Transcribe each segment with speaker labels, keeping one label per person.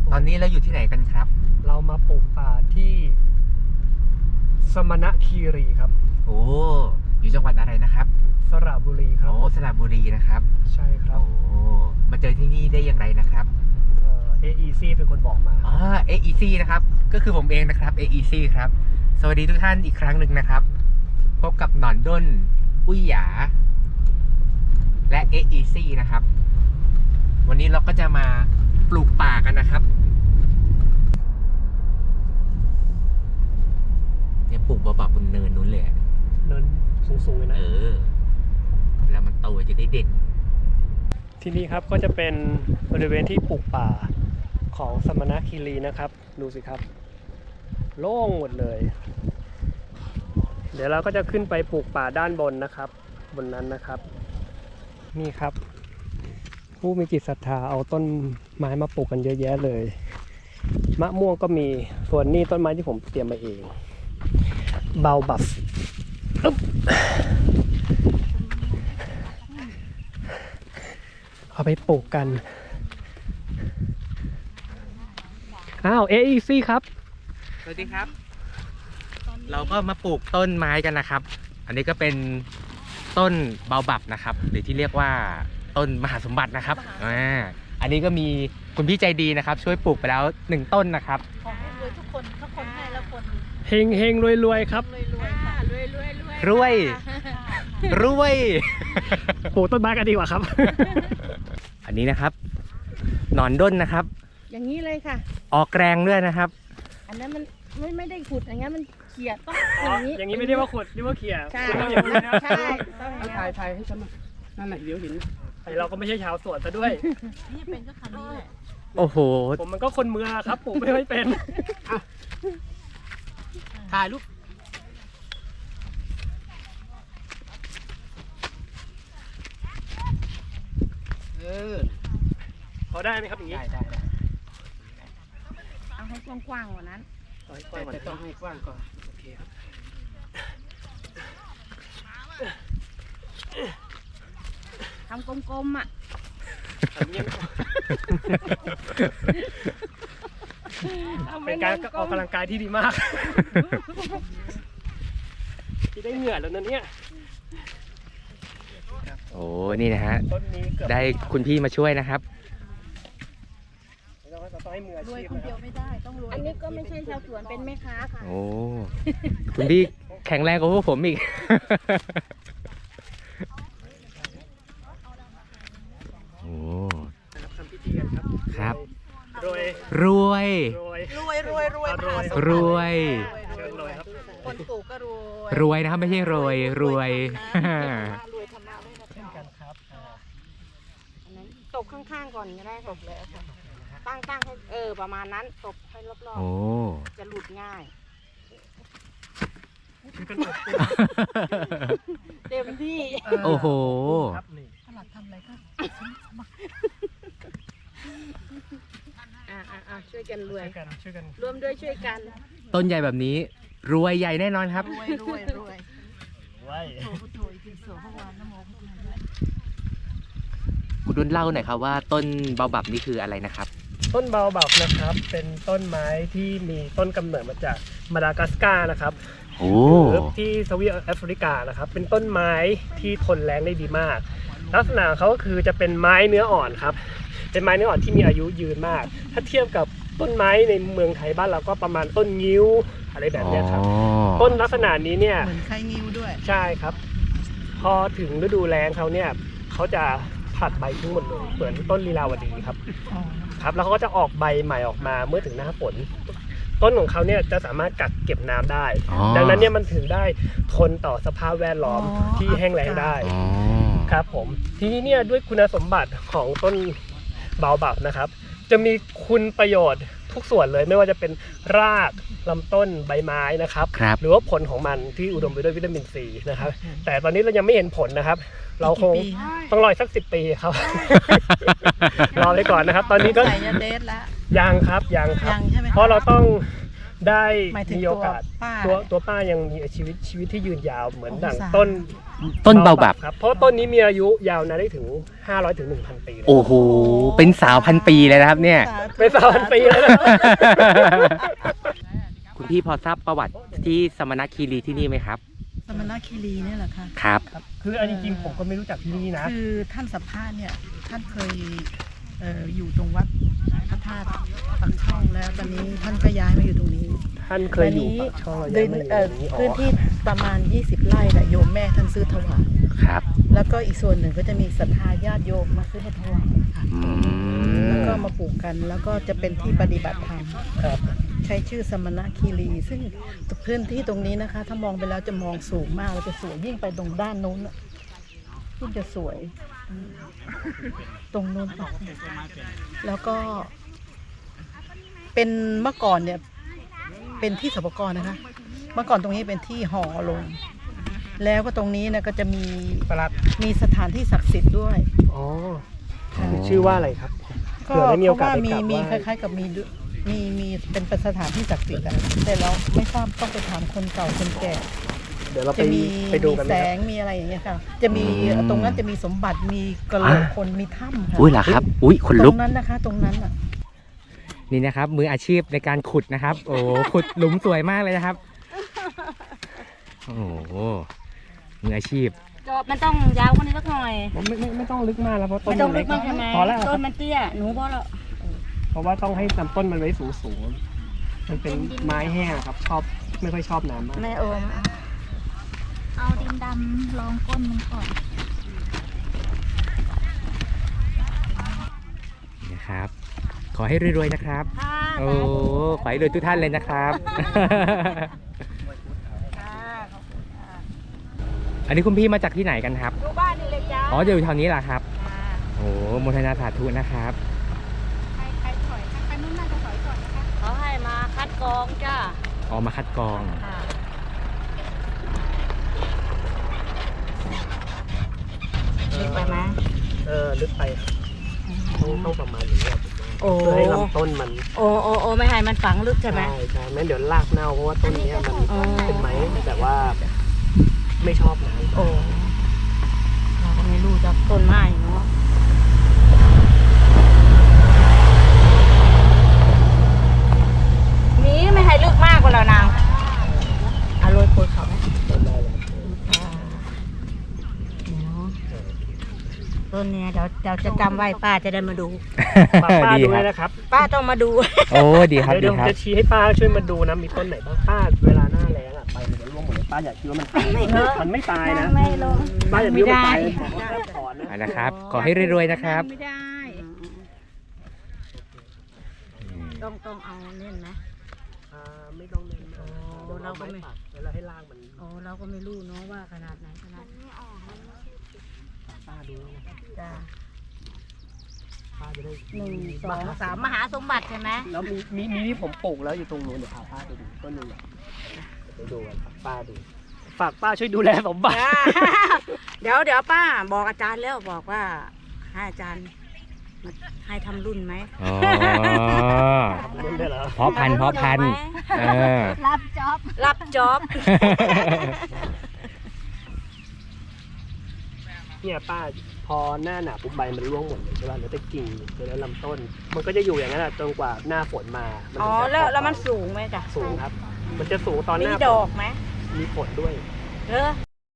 Speaker 1: ตอนนี้เราอยู่ที่ไหนกันครับ
Speaker 2: เรามาปลูกป่าที่สมณคีรีครับ
Speaker 1: โอ้อยู่จังหวัดอะไรนะครับ
Speaker 2: สระบุรีครับ
Speaker 1: โอ้สระบุรีนะครับ
Speaker 2: ใช่ครับ
Speaker 1: โอ้มาเจอที่นี่ได้อย่างไรนะครับ
Speaker 2: AEC เป็นคนบอกมา
Speaker 1: อ๋อ AEC นะครับก็คือผมเองนะครับ AEC ครับสวัสดีทุกท่านอีกครั้งหนึ่งนะครับพบกับหนอนด้นอุ้ยหยาและ AEC นะครับวันนี้เราก็จะมาปลูกป่ากันนะครับเนี่ยปลูกเบาๆบนเนินนู้นเลย
Speaker 2: เนินสูงๆเลยนะ
Speaker 1: แล้วมันโตจะได้เด่น
Speaker 2: ที่นี่ครับก็จะเป็นบริเวณที่ปลูกป่าของสมณคีรีนะครับดูสิครับโล่งหมดเลยเดี๋ยวเราก็จะขึ้นไปปลูกป่าด้านบนนะครับบนนั้นนะครับนี่ครับผู้มีจิตศรัทธาเอาต้นไม้มาปลูกกันเยอะแยะเลยมะม่วงก็มีส่วนนี้ต้นไม้ที่ผมเตรียมมาเองเบาบับเอาไปปลูกกันอ้าว AEC ครับ
Speaker 1: สวัสดีครับเราก็มาปลูกต้นไม้กันนะครับอันนี้ก็เป็นต้นเบาบับนะครับหรือที่เรียกว่าต้นมหาสมบัตินะครับอันนี้ก็มีคุณพี่ใจดีนะครับช่วยปลูกไปแล้ว1ต้นนะครับ
Speaker 3: ขอให้รวยทุกคนให้แล้วคน
Speaker 2: เฮงเฮงรวยรวยครับ
Speaker 1: รวย
Speaker 2: ปลูกต้นไม้กันดีกว่าครับ
Speaker 1: อันนี้นะครับหนอนด้นนะครับ
Speaker 3: อย่างนี้เลยค่ะ
Speaker 1: ออกแรงด้วยนะครับ
Speaker 3: อันนั้นมันไม่ได้ขุดอย่างนั้นมันเขี่ยต้อง
Speaker 2: อย่างนี้ไม่ได้ว่าขุดเรียกว่าเขี่ย
Speaker 3: ใช่ใช่
Speaker 2: ถ่ายให้ฉันนั่นแหละเดี๋ยวเห็นเราก็ไม่ใช่ชาวสวนซะด้วย
Speaker 3: นี่เป็นก็คำนี้แหละ
Speaker 1: โอ้โห
Speaker 2: ผมมันก็คนเมืองครับปลูกไม่ค่อยเป็นถ่ายรูปพอได้ไหมครับอย่างนี้ได้
Speaker 3: เอาให้กว้างๆกว่านั้น
Speaker 2: แต่ต้องให้กว้างก่อนโอเคครับ
Speaker 3: ทำกลมๆอ่ะ
Speaker 2: เป็นการออกกำลังกายที่ดีมากที่ได้เหงื่อแล้วนะเนี่ย
Speaker 1: โอ้นี่นะฮะได้คุณพี่มาช่วยนะครับ
Speaker 3: รวยคนเดียวไม่ได้ต้องรวยอันนี้ก็ไม่ใช่ชาวสวนเป็นแม่ค้าค่ะ
Speaker 1: โอ้คุณพี่แข็งแรงกว่าพวกผมอีกโอ้
Speaker 2: ทำพิธีกันครับ
Speaker 1: ครับ
Speaker 2: รวย
Speaker 3: คนปลูกก็
Speaker 1: รวยนะครับไม่ใช่รวย
Speaker 3: รวยธรรมะ
Speaker 2: เช่นกันครับ
Speaker 3: ตบข้างๆก่อนก็ได้ตบเลยค่ะตั้งให้ประมาณนั้นตบให้รอบๆจะหลุดง่ายเต็มที่
Speaker 1: โอ้โห
Speaker 3: หลักทำอะไรก็ช่วยกันรวยรวมด้วยช่วยกัน
Speaker 1: ต้นใหญ่แบบนี้รวยใหญ่แน่นอนครับ
Speaker 3: รวย
Speaker 1: คุณดุลเล่าหน่อยครับว่าต้นเบาบับนี่คืออะไรนะครับ
Speaker 2: ต้นเบาบับนะครับเป็นต้นไม้ที่มีต้นกำเนิดมาจากมาดากัสการ์นะครับหรือที่ทวีปแอฟริกานะครับเป็นต้นไม้ที่ทนแรงได้ดีมากลักษณะเขาก็คือจะเป็นไม้เนื้ออ่อนครับเป็นไม้เนื้ออ่อนที่มีอายุยืนมากถ้าเทียบกับต้นไม้ในเมืองไทยบ้านเราก็ประมาณต้นงิ้วอะไรแบบนี้ครับต้นลักษณะนี้เนี่ย
Speaker 3: เหมือนไข่งิ้วด้วย
Speaker 2: ใช่ครับพอถึงฤดูแล้งเขาเนี่ยเขาจะผลัดใบทิ้งหมดเลยเหมือนต้นลีลาวดีครับแล้วเขาก็จะออกใบใหม่ออกมาเมื่อถึงหน้าฝนต้นของเขาเนี่ยจะสามารถกักเก็บน้ำได้ดังนั้นเนี่ยมันถึงได้ทนต่อสภาพแวดล้อมที่แห้งแล้งได้ครับผมทีนี้เนี่ยด้วยคุณสมบัติของต้นเบาบับนะครับจะมีคุณประโยชน์ทุกส่วนเลยไม่ว่าจะเป็นรากลำต้นใบไม้นะครับหรือว่าผลของมันที่อุดมไปด้วยวิตามินซีนะครับแต่ตอนนี้เรายังไม่เห็นผลนะครับเราคงต้องรอสัก10 ปีครับรอไปก่อนนะครับตอนนี้ก็ยังครับเพราะเราต้องได้
Speaker 4: หมายถึง
Speaker 2: มีโอกาส
Speaker 4: ป้า
Speaker 2: ตัวป้ายังมีชีวิตที่ยืนยาวเหมือน
Speaker 4: โอ้
Speaker 2: ดั่ง
Speaker 4: สาธุ
Speaker 2: ต้น
Speaker 1: เบาบับ
Speaker 2: ครับเพราะต้นนี้มีอายุยาวนานได้ถึง500ถึง 1,000 ปีเลย
Speaker 1: โอ้โห เป็นสาวพันปีเลยนะครับเนี่ย
Speaker 2: เป็น3,000 ปีแล้วนะ
Speaker 1: คุณพี่พอทราบประวัติที่สมณคีรีที่นี่ไหมครับ
Speaker 4: สมณคีรีเนี่ยแหละค่ะ
Speaker 1: ครับ
Speaker 2: คืออันจริงๆผมก็ไม่รู้จักที่นี่นะ
Speaker 4: คือท่านสัมภาษณ์เนี่ยท่านเคยอยู่ตรงวัดพระธาตุปากช่องแล้วตอนนี้ท่านก็ย้ายมาอยู่ตรงนี้
Speaker 2: ท่านเคยอยู่ปากช่อง
Speaker 4: ดิ
Speaker 2: ย้าย
Speaker 4: น
Speaker 2: มาอยู่ตรงนี้
Speaker 4: พื้นที่ประมาณ 20 ไร่แหละโยมแม่ท่านซื้อถวาย
Speaker 1: ครับ
Speaker 4: แล้วก็อีกส่วนหนึ่งก็จะมีศรัทธาญาติโยมมาซื้อให้ถวายค่ะ
Speaker 1: อื
Speaker 4: แล้ว
Speaker 1: ม
Speaker 4: ก็มาปลูกกันแล้วก็จะเป็นที่ปฏิบัติธรรม
Speaker 2: ครับ
Speaker 4: ใช้ชื่อสมณคีรี ซึ่งพื้นที่ตรงนี้นะคะ ถ้ามองไปแล้วจะมองสูงมากแล้วจะสวยยิ่งไปตรงด้านโน้นน่ะยิ่งจะสวยตรงโน้นค่ะแล้วก็ เป็นเมื่อก่อนเนี่ย เป็นที่สปกรนะคะ เมื่อก่อนตรงนี้เป็นที่ห่อลง แล้วก็ตรงนี้นะก็จะมี
Speaker 2: ประหลัด
Speaker 4: มีสถานที่ศักดิ์สิทธิ์ด้วย
Speaker 2: อ๋อชื่อว่าอะไรครับ
Speaker 4: ก็
Speaker 2: เผื่อได้มีโอกาส
Speaker 4: เพระ
Speaker 2: ไปกราบไหว้
Speaker 4: มีคล้ายๆกับมีเป็นสถานที่ศักดิ์สิทธิ์อะแต่เราไม่ทราบต้องไปถามคนเก่าคนแก่
Speaker 2: เดี๋ยวเรา
Speaker 4: จะมี
Speaker 2: ไปดูกัน
Speaker 4: แส
Speaker 2: ไหมครับ
Speaker 4: งมีอะไรอย่างเงี้ยค่ะ จะมีตรงนั้นจะมีสมบัติมีกระโหลกคนมีถ้ำค่ะ
Speaker 1: อุ้ยเหรอครับ อุ้ยขน
Speaker 4: ต
Speaker 1: ลุ
Speaker 4: ร
Speaker 1: ก
Speaker 4: งนั้นนะคะ ตรงนั้นอ่ะ
Speaker 1: นี่นะครับ มืออาชีพในการขุดนะครับ โอ้โหขุดหลุมสวยมากเลยนะครับ โอ้โห มืออาชีพ
Speaker 3: จอบมันต้องยาวกว่านี้สักหน่อย
Speaker 2: ผมไม่ต้องลึกมากแล้วเพราะต้น
Speaker 3: ไม่ต้อง
Speaker 2: น
Speaker 3: ลึกมากใช่ไหม
Speaker 2: พอแล้วค
Speaker 3: ต้
Speaker 2: รับ
Speaker 3: นมันเตี้ยหนูพอแล้ว
Speaker 2: เพราะว่าต้องให้ลำต้นมันไว้สูงๆมันเป็นไม้แห้งครับไม่ค่อยชอบน้ำมาก
Speaker 3: แม่โอม
Speaker 5: เอาดินดำรองก้นมันก่อน
Speaker 1: นะครับ ขอให้รวยๆนะครับ
Speaker 3: ค่ะ
Speaker 1: โอ้ ขอให้รวยทุกท่านเลยนะครับ อันนี้คุณพี่มาจากที่ไหนกันครับ
Speaker 3: ดูบ้านนี่เลยจ้า
Speaker 1: อ๋ออยู่แถวนี้แหละครับ โอ้โมทนาสาธุนะครับ
Speaker 5: ใครถอยใครนุ่นน่าจะถอยก่อนนะคะ
Speaker 3: เขาให้มาคัดกรองจ้า
Speaker 1: ออกมาคัดกรอง
Speaker 3: ลึกไปไหม
Speaker 2: ลึกไปครับต้องประมาณนี้ครับ
Speaker 3: โอ้
Speaker 2: เพื่อให้ลำต้นมัน
Speaker 3: โอ้ไม่ให้มันฝังลึกใช่ไหม
Speaker 2: ใช่ไม่งั้นเดี๋ยวรากเน่าเพราะว่าต้นเนี้ยมัน
Speaker 3: อ๋อ
Speaker 2: เป็นไม้แต่ว่าไม่ชอบน้ำ
Speaker 3: โอ้เราก็ไม่รู้จากต้นไม้เนาะมีไม่ให้ลึกมากกว่าแล้วนางอร่อยปวดเขาไหม
Speaker 2: ต้นได้เลย
Speaker 3: ต้นเนี้ยเดี๋ยวจะจำไว้ป้าจะได้มาดู
Speaker 2: ฝากป้า
Speaker 1: ดี
Speaker 2: ดู
Speaker 1: ค
Speaker 2: ด้
Speaker 1: รั
Speaker 2: วย
Speaker 1: บ
Speaker 2: นะครับ
Speaker 3: ป้าต้องมาดู
Speaker 1: โอ้ดีครับ
Speaker 2: เดี๋ยว
Speaker 1: ดี
Speaker 2: ผม
Speaker 1: ครับ
Speaker 2: จะชี้ให้ป้าช่วยมาดูนะมีต้นไหนบ้างป้าเวลาหน้าแล้งอ่ะไปมันจะร่วงหมดเลยป้าอยากคิดว่ามันตายมันไม่ตายนะ
Speaker 5: ไม่ลง
Speaker 2: ป้าอยากคิดว่ามันตายถอนนะ
Speaker 1: อ่ะนะครับ ขอให้รวยๆนะครับ
Speaker 5: ไม่ได้
Speaker 3: ต้องเอาเล่นไหม
Speaker 2: ไม่ต้องเน้นมาก
Speaker 3: โอ้เราก็ไม่
Speaker 2: แล้วให้รากมัน
Speaker 3: โอ้เราก็ไม่รู้เนาะว่าขนาดไหนขนาด
Speaker 2: ป้าดูนะ
Speaker 3: จ้า
Speaker 2: ป้าจะได้
Speaker 3: 1 2 3มหาสมบัติใช่ไหม
Speaker 2: แล้วมีที่ผมปลูกแล้วอยู่ตรงนู้นเดี๋ยวพาป้าไปดูต้นนึงไปดูกันฝากป้าดูฝากป้าช่วยดูแลสมบัติ
Speaker 3: เดี๋ยวป้าบอกอาจารย์แล้วบอกว่าให้อาจารย์มาให้ทำรุ่นไหม
Speaker 1: อ๋อ
Speaker 2: เล่นได้เหรอ
Speaker 1: เพาะพันธุ์เออ
Speaker 5: รับจ็อบ
Speaker 3: รับจ็อบ
Speaker 2: เนี่ยป้าพอหน้าหนาวปุ๊บใบมันร่วงหมดเลยใช่ป่ะเหลือแต่กิ่งเหลือแต่ลำต้น มันก็จะอยู่อย่างนั้นจนกว่าหน้าฝนมา
Speaker 3: อ๋อ
Speaker 2: ถึงจะ
Speaker 3: แล้วมันสูงไหมจ๊ะ
Speaker 2: สูงครับ มันจะสูงตอนห
Speaker 3: มี
Speaker 2: น้า
Speaker 3: ดอกไหม
Speaker 2: มีฝนด้วย
Speaker 3: เออ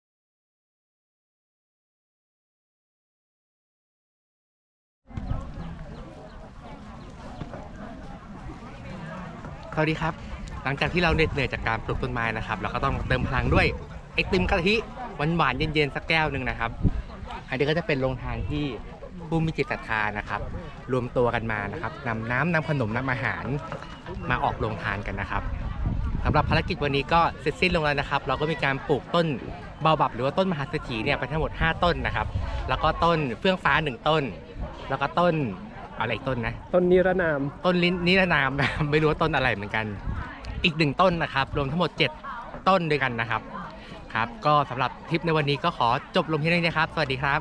Speaker 1: สวัสดีครับ หลังจากที่เราเหน็ดเหนื่อยจากการปลูกต้นไม้นะครับ เราก็ต้องเติมพลังด้วยไอติมกะทิหวานๆเย็นๆสักแก้วหนึ่งนะครับ อันนี้ก็จะเป็นโรงทานที่ผู้มีจิตศรัทธานะครับ รวมตัวกันมานะครับนำน้ำนำขนมนำอาหารมาออกโรงทานกันนะครับสำหรับภารกิจวันนี้ก็เสร็จสิ้นลงแล้วนะครับ เราก็มีการปลูกต้นเบาบับหรือว่าต้นมหาเศรษฐีเนี่ยไปทั้งหมด5ต้นนะครับ แล้วก็ต้นเฟื่องฟ้า1ต้น แล้วก็ต้นอะไรอีกต้นนะ
Speaker 2: ต้นนิรนาม
Speaker 1: ต้นลิ้นนิรนามนะ ไม่รู้ว่าต้นอะไรเหมือนกันอีก1ต้นนะครับ รวมทั้งหมด7ต้นด้วยกันนะครับครับ ก็สำหรับทริปในวันนี้ก็ขอจบลงที่นี่นะครับ สวัสดีครับ